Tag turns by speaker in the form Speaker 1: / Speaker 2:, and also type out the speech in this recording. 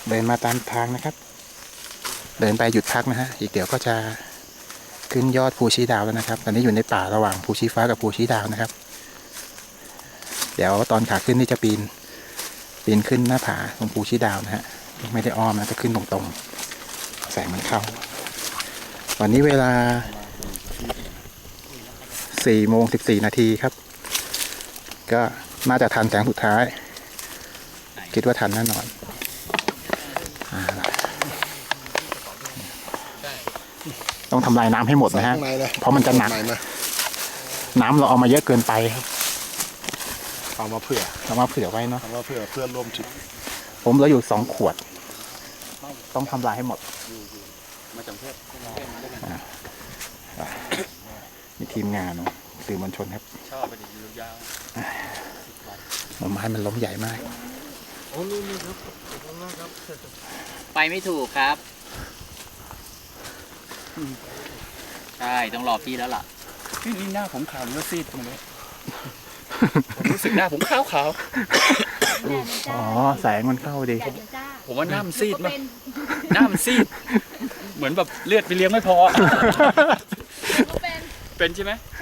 Speaker 1: เดินมาตามทางนะครับเดินไปหยุดพักนะฮะอีกเดี๋ยวก็จะขึ้นยอดภูชีดาวแล้วนะครับตอนนี้อยู่ในป่าระหว่างภูชีฟ้ากับภูชีดาวนะครับเดี๋ยวตอนขาขึ้นนี่จะปีนขึ้นหน้าผาตรงภูชีดาวนะฮะไม่ได้อ้อมนะจะขึ้นตรงๆแสงมันเข้าวันนี้เวลา4:14 นาทีครับก็น่าจะทันแสงสุดท้ายคิดว่าทันแน่นอนต้องทำลายน้ำให้หมดนะฮะเพราะมันจะหนักน้ำเราเอามาเยอะเกินไปครับเอามาเผื่อไว้เนาะเอามาเผื่อร่วมทริปผมเหลืออยู่2 ขวดต้องทำลายให้หมดมาจากเพื่อนมีทีมงานสื่อมวลชนครับชอบไปดิยาวไม้มันล้มใหญ่มาก
Speaker 2: ไปไม่ถูกครับใช่ต้องรอพี่แล้วล่ะ
Speaker 3: นี่หน้าผมขาวหรือซีดมาเลยผมรู้สึกหน้าผมขาว
Speaker 1: อ๋อแสงมันเข้าดี
Speaker 3: ผมว่าหน้ามันซีดมั้ยหน้ามันซีดเหมือนแบบเลือดไปเลี้ยงไม่พอเป็นใช่ไหม